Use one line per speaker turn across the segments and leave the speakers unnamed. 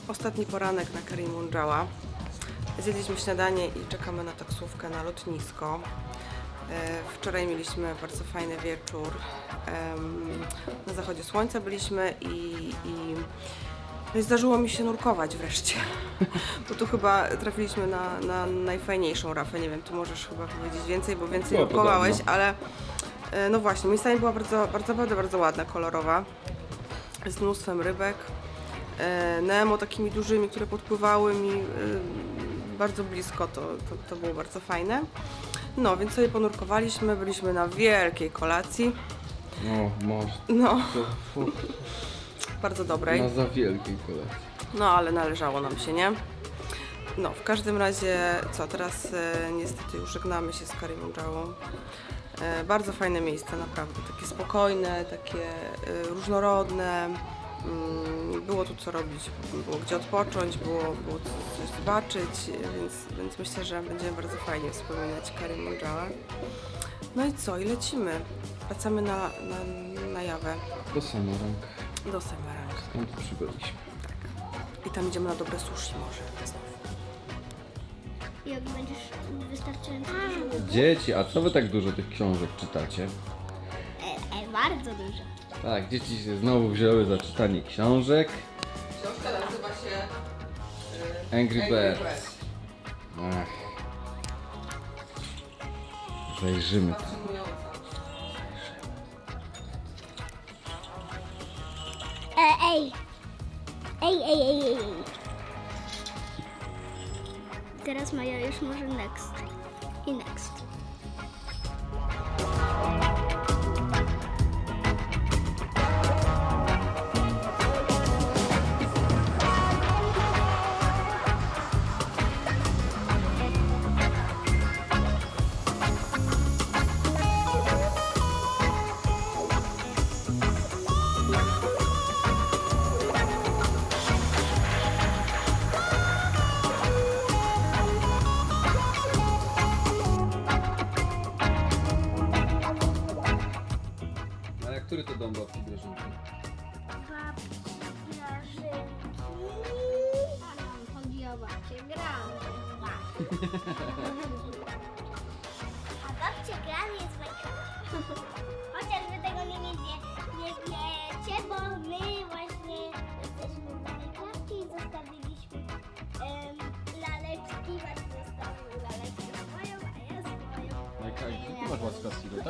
Ostatni poranek na Karimundżała. Zjedliśmy śniadanie i czekamy na taksówkę na lotnisko. Wczoraj mieliśmy bardzo fajny wieczór. Na zachodzie słońca byliśmy no i zdarzyło mi się nurkować wreszcie. Bo tu chyba trafiliśmy na najfajniejszą rafę. Nie wiem, tu możesz chyba powiedzieć więcej, bo więcej
Było
nurkowałeś,
podobno.
ale no właśnie, miejscami była bardzo ładna, kolorowa. Z mnóstwem rybek. Nemo takimi dużymi, które podpływały mi bardzo blisko, to było bardzo fajne. No, więc sobie ponurkowaliśmy, byliśmy na wielkiej kolacji,
O, może.
no,
To
bardzo dobrej,
na za wielkiej kolacji.
no ale należało nam się, nie? No, w każdym razie, co, teraz niestety już żegnamy się z Karimundżałą. Bardzo fajne miejsce, naprawdę, takie spokojne, takie różnorodne. Było tu co robić, było gdzie odpocząć, było coś zobaczyć, więc myślę, że będziemy bardzo fajnie wspominać Karimundżałę. No i co? I lecimy. Wracamy na Jawę,
Do Semarang.
do Semarang.
Skąd przybyliśmy?
I tam idziemy na dobre sushi może znowu.
Jak będziesz wystarczająco dużo.
Dzieci, a co wy tak dużo tych książek czytacie?
Bardzo dużo.
Tak, dzieci się znowu wzięły za czytanie książek.
Książka nazywa się
Angry Birds. Ach. Zajrzymy.
Ej! Ej! Teraz Maja już może next. I next.
A jak który to dom babci Grażynki?
A nam chodzi o babcię Gran. A babcia Gran jest bajka. Chociaż wy tego nie wiecie, bo my właśnie jesteśmy w Minecrafcie i zostawiliśmy laleczki. Właśnie zostawił laleczkę swoją, a ja swoją.
Majka, gdzie ty masz łaskawki, tak?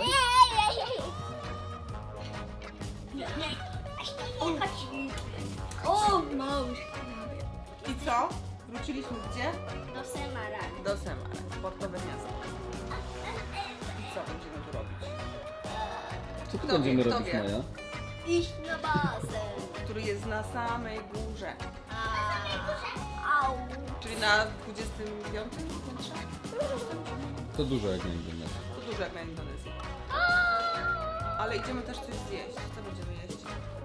O, mąż!
I co? Wróciliśmy gdzie?
Do Semarang.
Do Semarang, portowe miasto. I co będziemy tu robić?
Co tu
Kto
będziemy
wie, kto
robić,
wie?
Maja?
Iść na basen.
Który jest na samej górze.
Au.
Czyli na 25 piętrze?
To dużo jak na internecie.
To dużo jak na Indonezji. Ale idziemy też coś zjeść. Co będziemy jeść?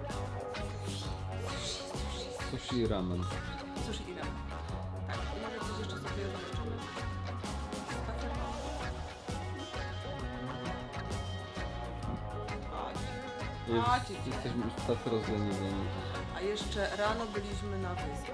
Sushi i ramen.
Sushi i ramen. Tak, i może coś jeszcze sobie zobaczymy. Spacer.
Już
Chodź.
jesteśmy już tacy rozleniwieni.
A jeszcze rano byliśmy na wyspie.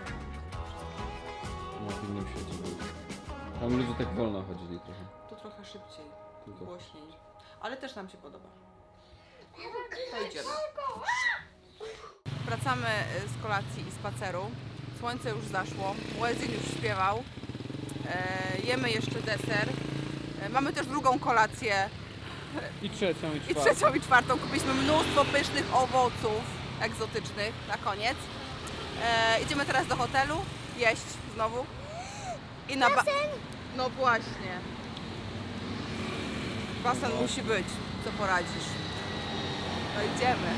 No w innym świecie byli. Tam ludzie tak wolno chodzili trochę.
Tu trochę szybciej,
Tylko.
głośniej. Ale też nam się podoba. To idziemy. Wracamy z kolacji i spaceru. Słońce już zaszło, Łezin już śpiewał. Jemy jeszcze deser. Mamy też drugą kolację.
I trzecią,
I trzecią i czwartą. Kupiliśmy mnóstwo pysznych owoców egzotycznych na koniec. Idziemy teraz do hotelu, jeść znowu. I na no właśnie. Basen musi być, co poradzisz. No idziemy.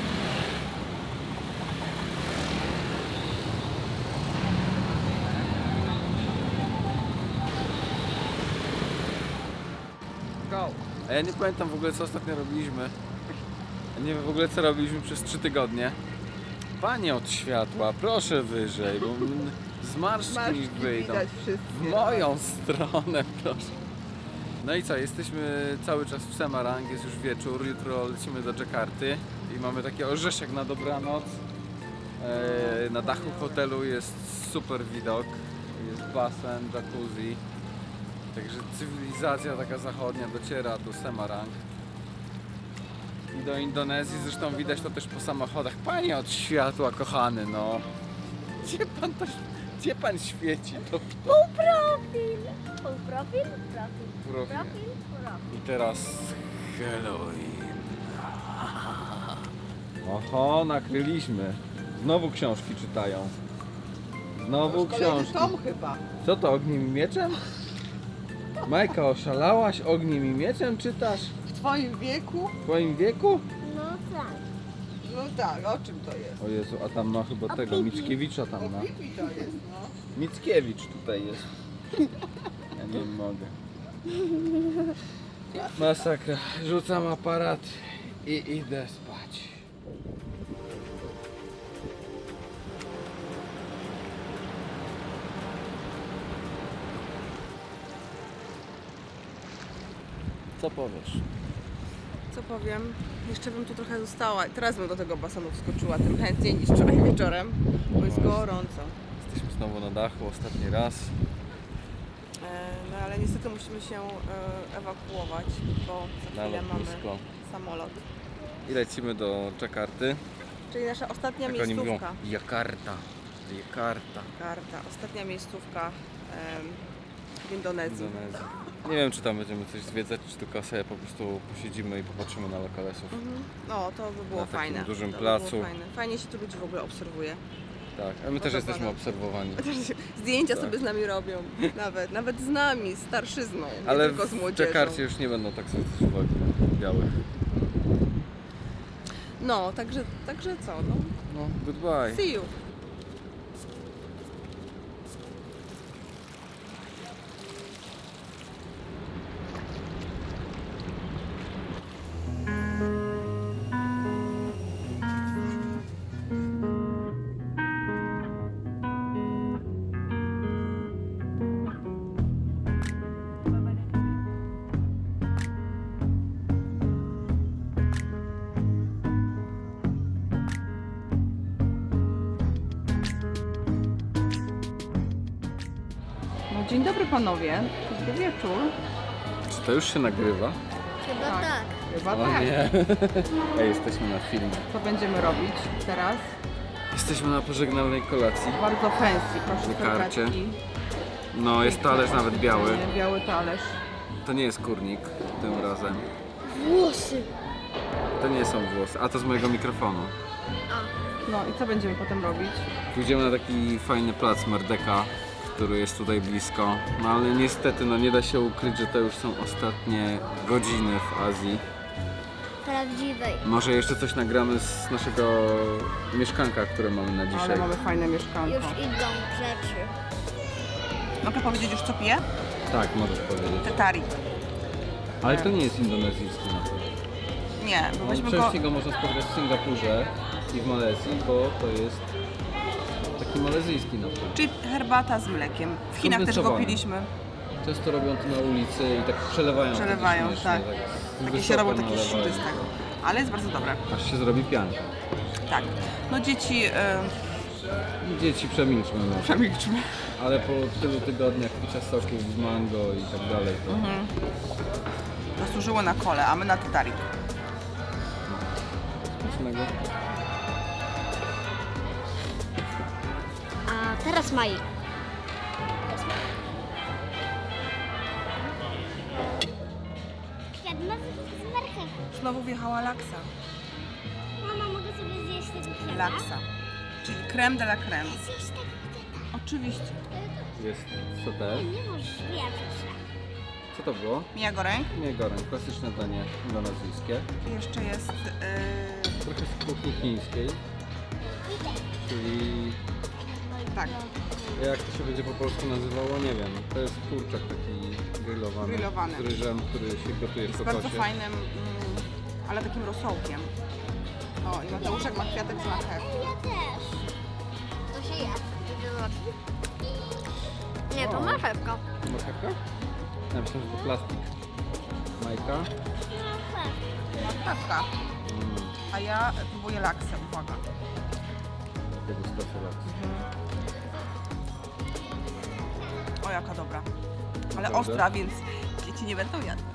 Go.
A ja nie pamiętam w ogóle co ostatnio robiliśmy. Ja nie wiem w ogóle co robiliśmy przez 3 tygodnie. Panie od światła, proszę wyżej, bo zmarszczki wyjdą. W moją stronę, proszę. No i co, jesteśmy cały czas w Semarang, jest już wieczór, jutro lecimy do Dżakarty i mamy taki orzeszek na dobranoc. Na dachu hotelu jest super widok, jest basen, jacuzzi. Także cywilizacja taka zachodnia dociera do Semarang. I do Indonezji, zresztą widać to też po samochodach. Panie od światła, kochany, no. Gdzie pan świeci? To
Półprofil. Półprofil? Profil.
profil.
Profil? Profil.
I teraz Halloween. Oho, nakryliśmy. Znowu książki czytają. Znowu książki.
Tom chyba.
Co to, ogniem i mieczem? Majka, oszalałaś? Ogniem i mieczem czytasz?
W twoim wieku?
W twoim wieku?
No tak.
No tak, o czym to jest?
O Jezu, a tam ma chyba tego,
Pipi.
Mickiewicza tam ma.
Pipi to jest, no.
Mickiewicz tutaj jest. Ja nie mogę. Masakra. Rzucam aparat i idę spać. Co powiesz?
Co powiem? Jeszcze bym tu trochę została. Teraz bym do tego basenu wskoczyła tym chętniej niż wczoraj wieczorem, bo jest gorąco.
Jesteśmy znowu na dachu, ostatni raz.
No ale niestety musimy się ewakuować, bo za
Na
chwilę mamy
lotnisko.
samolot.
I lecimy do Dżakarty.
Czyli nasza ostatnia
Jak oni mówią,
miejscówka.
Jakarta. Jakarta.
Ostatnia miejscówka w Indonezji.
Indonezja. Nie wiem, czy tam będziemy coś zwiedzać, czy tylko sobie po prostu posiedzimy i popatrzymy na lokalesów.
No, to by było
Na takim
fajne.
dużym
To by
placu.
było fajne. Fajnie się tu ludzi w ogóle obserwuje.
Tak, a my też
Podoba
jesteśmy
nam się.
obserwowani.
Zdjęcia
Tak.
sobie z nami robią. Nawet z nami, starszyzną, nie
Ale
tylko z
w
młodzieżą.
Dżakarcie już nie będą tak zwracać uwagi na białych.
No, także co, no.
No, goodbye.
See you. No, dzień dobry panowie. Dobry wieczór.
Czy to już się nagrywa?
Chyba
Tak.
tak.
Chyba
O
tak.
nie. Ej, jesteśmy na filmie.
Co będziemy robić teraz?
Jesteśmy na pożegnalnej kolacji.
Bardzo fancy, proszę
Na karcie.
serwetki.
No, jest talerz nawet biały.
Biały talerz.
To nie jest kurnik tym razem.
Włosy.
To nie są włosy, a to z mojego mikrofonu.
No i co będziemy potem robić?
Pójdziemy na taki fajny plac Merdeka, który jest tutaj blisko. No ale niestety, no nie da się ukryć, że to już są ostatnie godziny w Azji.
Prawdziwej.
Może jeszcze coś nagramy z naszego mieszkanka, które mamy na dzisiaj.
Ale mamy fajne mieszkanko.
Już idą rzeczy.
Mogę powiedzieć już co piję?
Tak, możesz powiedzieć.
Tetari.
Ale to nie jest indonezyjski napój.
Nie, bo
No,
weźmy go...
częściej go można spotkać w Singapurze i w Malezji, bo to jest taki malezyjski napój.
Czyli herbata z mlekiem. W Chinach też go
Kondensowany.
piliśmy.
Często robią to na ulicy i tak przelewają.
Przelewają,
wtedy
tak.
śmiesznie,
Takie
wysoko
się robią takie
nalewają.
siły z tego. Ale jest bardzo dobre.
Aż się zrobi pianka.
Tak. No dzieci...
Dzieci przemilczmy może.
Przemilczmy.
Ale po tylu tygodniach picia soków z mango i tak dalej, to
Zasłużyło na kole, a my na tetari.
smacznego.
A teraz Maj. Kwiat z marchewką.
Znowu wjechała laksa.
Mama, mogę sobie zjeść tego kwiata?
Laksa. Czyli creme de la creme.
Zjeść tego kwiata.
Oczywiście.
Jest soter.
Nie możesz wierzyć.
Co to było?
Mija goreng.
Nie goreng, klasyczne danie indonezyjskie.
I jeszcze jest...
Trochę z kuchni chińskiej. Czyli
tak,
jak to się będzie po polsku nazywało, nie wiem. To jest kurczak taki grillowany.
Grillowany.
Z ryżem, który się gotuje w
jest bardzo
kokosie.
fajnym, ale takim rosołkiem. O, i Mateuszek ma kwiatek z marchewką.
Ja też. To się je. Nie, to marchewka.
Marchewka? Ja myślę, że to plastik. Majka.
Marchewka. A ja próbuję laksę, uwaga.
degustacja laksu.
O, jaka dobra. Ale
Naprawdę?
ostra, więc dzieci nie będą jadły.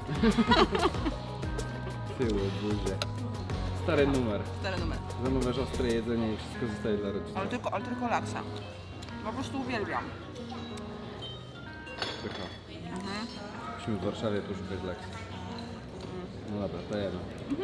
Tyły, buzie. Stary numer.
Stary numer.
Za numerze ostre jedzenie i wszystko zostaje dla rodziny.
Ale tylko laksa. Po prostu uwielbiam.
Pycha. Musimy w Warszawie poszukać laksu. No dobra, dajemy.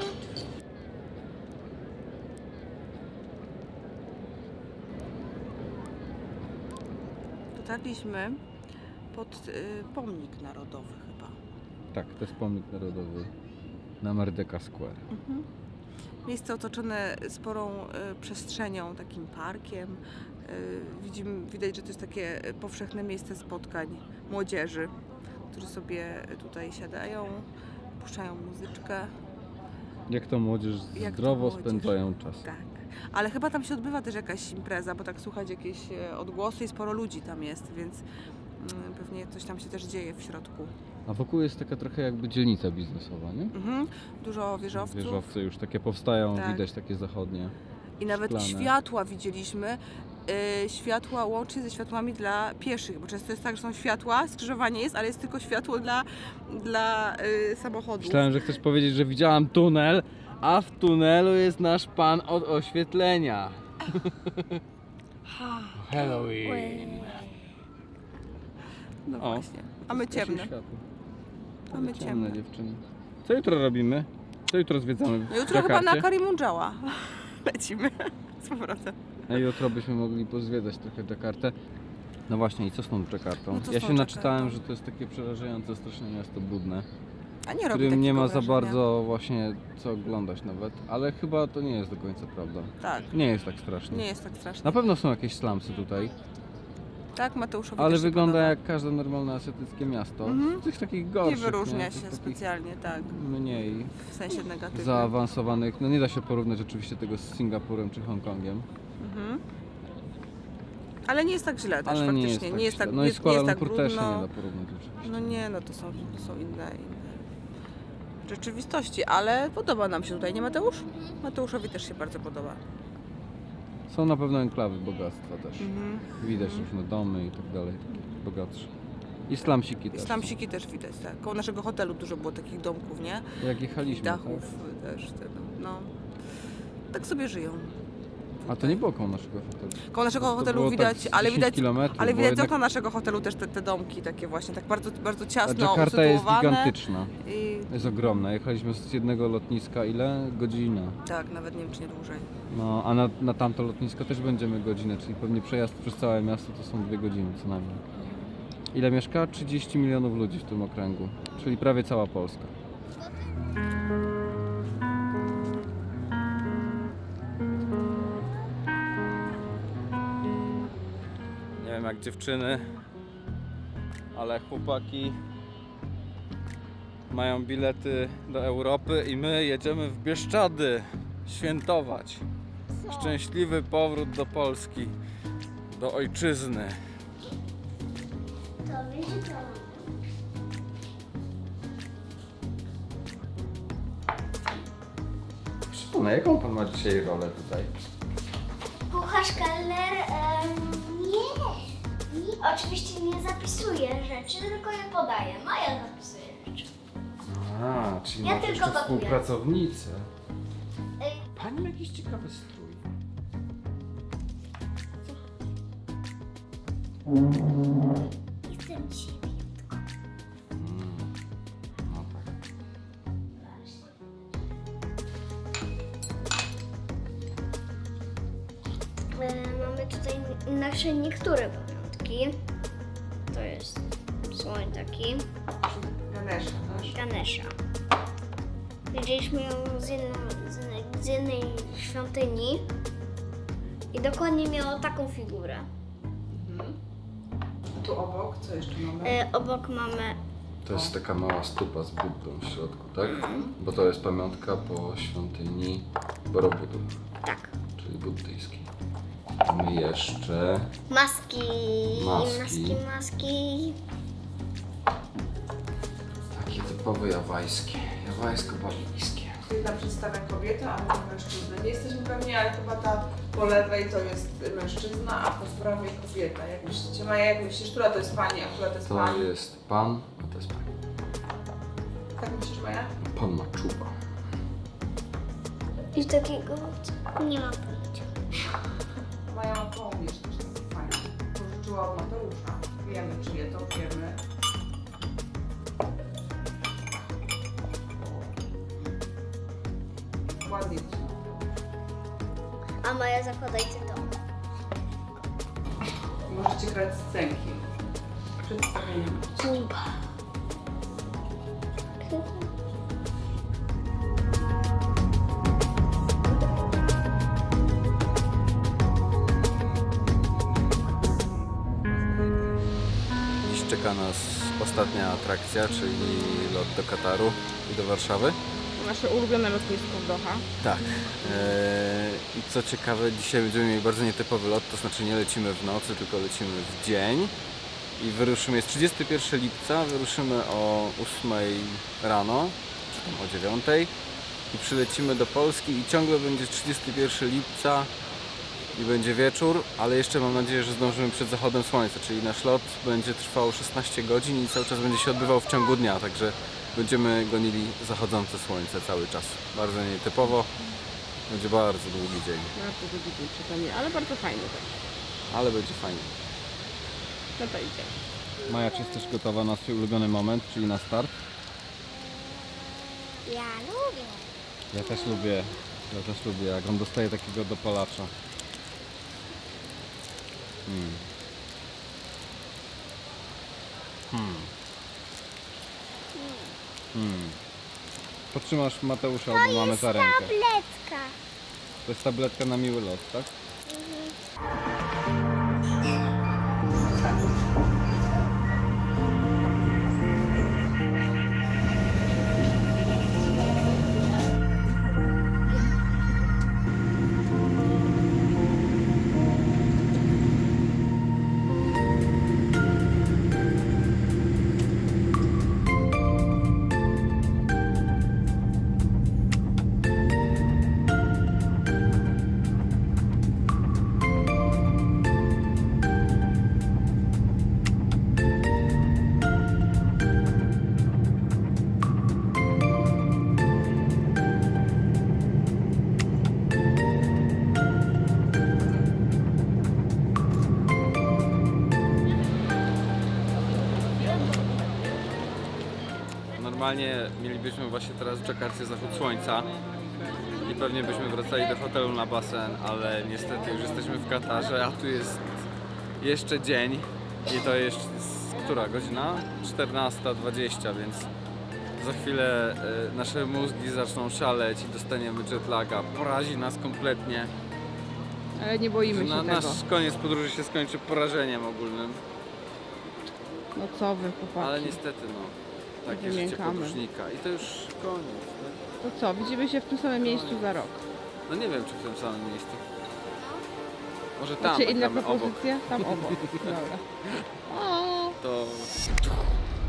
Dotarliśmy pod pomnik narodowy chyba.
Tak, to jest pomnik narodowy na Merdeka Square.
Miejsce otoczone sporą przestrzenią, takim parkiem. Widać, że to jest takie powszechne miejsce spotkań młodzieży, którzy sobie tutaj siadają, puszczają muzyczkę.
Jak to młodzież
Jak to
zdrowo
młodzież.
spędzają czas.
Tak. Ale chyba tam się odbywa też jakaś impreza, bo tak słuchać jakieś odgłosy i sporo ludzi tam jest, więc pewnie coś tam się też dzieje w środku.
A wokół jest taka trochę jakby dzielnica biznesowa, nie?
Dużo wieżowców.
Wieżowce już takie powstają,
Tak.
widać takie zachodnie.
I nawet
szklane.
światła widzieliśmy. Światła łącznie ze światłami dla pieszych, bo często jest tak, że są światła, skrzyżowanie jest, ale jest tylko światło dla samochodów.
Myślałem, że chcesz powiedzieć, że widziałam tunel, a w tunelu jest nasz pan od oświetlenia. Halloween.
No
O,
właśnie. A my ciemne.
Światło.
A my ciemne.
Dziewczyny. Co jutro robimy? Co jutro zwiedzamy w
No jutro chyba
Dżakarcie?
na Karimundżała lecimy z powrotem.
A jutro byśmy mogli pozwiedzać trochę Dżakartę. No właśnie, i co z tą Dżakartą?
No co z
Ja
tą
się naczytałem,
Dżakartą?
że to jest takie przerażające, straszne miasto brudne,
A nie
w
robi
którym
takiego
nie ma za
wrażenia.
bardzo właśnie co oglądać nawet, ale chyba to nie jest do końca prawda.
Tak,
Nie jest tak strasznie.
nie jest tak strasznie.
Na pewno są jakieś slumsy tutaj,
Tak, Mateuszowi
ale
też się
wygląda
podoba.
jak każde normalne azjatyckie miasto.
Mhm.
Z tych takich gorszych,
Nie wyróżnia
Tych
się
takich
specjalnie, tak,
mniej
w sensie negatywnym.
zaawansowanych. No nie da się porównać oczywiście tego z Singapurem czy Hongkongiem.
Mhm. Ale nie jest tak źle też,
Ale
faktycznie.
nie jest tak źle. No
nie,
i
nie
Kuala
jest tak
Lumpur też się
brudno.
nie da porównać oczywiście.
No nie, no to są inne rzeczywistości, ale podoba nam się tutaj, nie Mateusz? Mateuszowi też się bardzo podoba.
Są na pewno enklawy bogactwa też.
Mhm.
Widać różne domy i tak dalej, takie bogatsze. I slumsiki
I
też.
slamsiki też widać, tak. Koło naszego hotelu dużo było takich domków, nie?
Jak jechaliśmy,
I dachów też, no. Tak sobie żyją.
tak? A to nie było koło naszego hotelu.
Koło naszego
To
hotelu
było
widać,
tak z
ale
10
widać,
kilometrów,
ale
bo
widać z
jednak-
okna naszego hotelu też te domki takie właśnie, tak bardzo, bardzo
A
ciasno
Dżakarta jest
usytuowane.
gigantyczna.
I
Jest ogromna. Jechaliśmy z jednego lotniska ile? Godzina.
tak, nawet nie wiem czy nie dłużej.
No, a na tamto lotnisko też będziemy godzinę, czyli pewnie przejazd przez całe miasto to są 2 godziny co najmniej. Ile mieszka? 30 milionów ludzi w tym okręgu, czyli prawie cała Polska. Nie wiem jak dziewczyny, ale chłopaki mają bilety do Europy i my jedziemy w Bieszczady świętować. Szczęśliwy powrót do Polski, do ojczyzny.
To wiecie co?
Szymona, jaką pan ma dzisiaj rolę tutaj?
Kucharz kelner, nie. Oczywiście nie zapisuję rzeczy, tylko je podaję. Maja zapisuje rzeczy.
A, czyli
Ja
masz
tylko
jeszcze
gotuję.
współpracownicę.
Ej,
Pani ma jakiś ciekawy strój.
Jestem ciebie.
No tak.
Mamy tutaj nasze niektóre pamiątki. To jest słoń taki, Ganesha. Widzieliśmy ją z jednej świątyni i dokładnie miała taką figurę.
Tu obok, co jeszcze mamy?
Obok mamy
To jest taka mała stupa z Buddą w środku, tak? Bo to jest pamiątka po świątyni Borobudur,
tak,
czyli buddyjskiej. Mamy jeszcze
maski,
Maski.
maski.
takie typowe jawajskie, jawajsko-balijskie.
Jedna przedstawia kobietę, a druga mężczyznę. Nie jesteśmy pewni, ale chyba ta po lewej to jest mężczyzna, a po prawej kobieta. Jak myślicie, Maja, jak myślisz, która to jest pani, a która to jest
To
pan?
jest pan, a to jest pani.
Tak myślisz, Maja?
Pan ma czuba.
I takiego nie ma pojęcia.
Maja ma kołnierz też taki fajny. Pożyczyła od Mateusza. Wiemy, czyje to wiemy. Ładnie ci.
A Maja, zakładajcie to.
Możecie grać scenki. Przedstawieniem.
Kuba.
Dziś czeka nas ostatnia atrakcja, czyli lot do Kataru i do Warszawy.
Nasze ulubione lotnisko w Doha.
Tak. I co ciekawe, dzisiaj będziemy mieli bardzo nietypowy lot, to znaczy nie lecimy w nocy, tylko lecimy w dzień. I wyruszymy, jest 31 lipca, wyruszymy o 8 rano, czy tam o 9 i przylecimy do Polski i ciągle będzie 31 lipca i będzie wieczór, ale jeszcze mam nadzieję, że zdążymy przed zachodem słońca, czyli nasz lot będzie trwał 16 godzin i cały czas będzie się odbywał w ciągu dnia, także będziemy gonili zachodzące słońce cały czas. Bardzo nietypowo, będzie bardzo długi dzień,
Bardzo długi dzień przed nami, ale bardzo fajny też.
ale będzie fajnie.
No to idzie.
Maja, czy jesteś gotowa na swój ulubiony moment, czyli na start?
Ja lubię.
Ja też lubię, jak on dostaje takiego dopalacza. Podtrzymasz Mateusza, bo mamy za rękę.
Tabletka.
To jest tabletka na miły lot, tak? Normalnie mielibyśmy właśnie teraz w Dżakarcie zachód słońca i pewnie byśmy wracali do hotelu na basen, ale niestety już jesteśmy w Katarze, a tu jest jeszcze dzień i to jeszcze jest która godzina? 14:20, więc za chwilę nasze mózgi zaczną szaleć i dostaniemy jetlaga. Porazi nas kompletnie.
Ale nie boimy się tego.
Nasz koniec podróży się skończy porażeniem ogólnym,
No co wy, chłopaki.
ale niestety no, takie życie
Wymiękamy.
podróżnika i to już koniec. Tak?
To co, widzimy się w tym samym miejscu za rok.
No nie wiem, czy w tym samym miejscu. Może tam,
Macie
jak
inne
gramy obok.
propozycje? Tam obok. Dobra. O!
To